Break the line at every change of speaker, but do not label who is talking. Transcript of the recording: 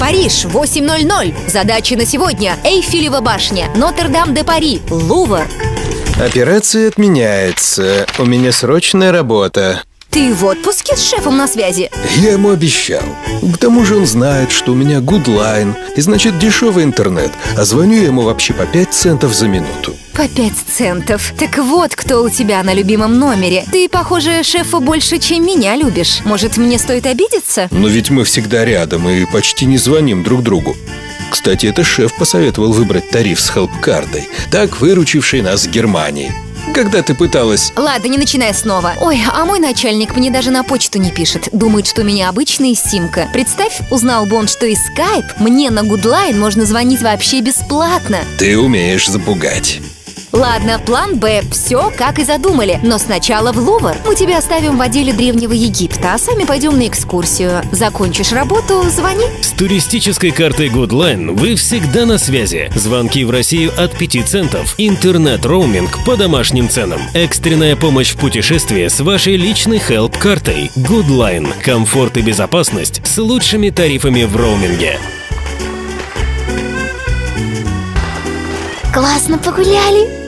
Париж, 8:00. Задачи на сегодня: Эйфелева башня, Нотр-Дам-де-Пари, Лувр.
Операция отменяется. У меня срочная работа.
Ты в отпуске с шефом на связи?
Я ему обещал. К тому же он знает, что у меня гудлайн, и значит дешевый интернет. А звоню я ему вообще по 5 центов за минуту.
По 5 центов. Так вот, кто у тебя на любимом номере. Ты, похоже, шефа больше, чем меня любишь. Может, мне стоит обидеться?
Но ведь мы всегда рядом и почти не звоним друг другу. Кстати, это шеф посоветовал выбрать тариф с хелп-кардой, так выручивший нас в Германии. Когда ты пыталась...
Ладно, не начинай снова. Ой, а мой начальник мне даже на почту не пишет. Думает, что у меня обычная симка. Представь, узнал бы он, что из Skype мне на Гудлайн можно звонить вообще бесплатно.
Ты умеешь запугать.
Ладно, план Б. Все, как и задумали. Но сначала в Лувр. Мы тебя оставим в отделе Древнего Египта, а сами пойдем на экскурсию. Закончишь работу, звони.
С туристической картой Goodline вы всегда на связи. Звонки в Россию от 5 центов. Интернет-роуминг по домашним ценам. Экстренная помощь в путешествии с вашей личной хелп-картой. Goodline. Комфорт и безопасность с лучшими тарифами в роуминге.
Классно погуляли.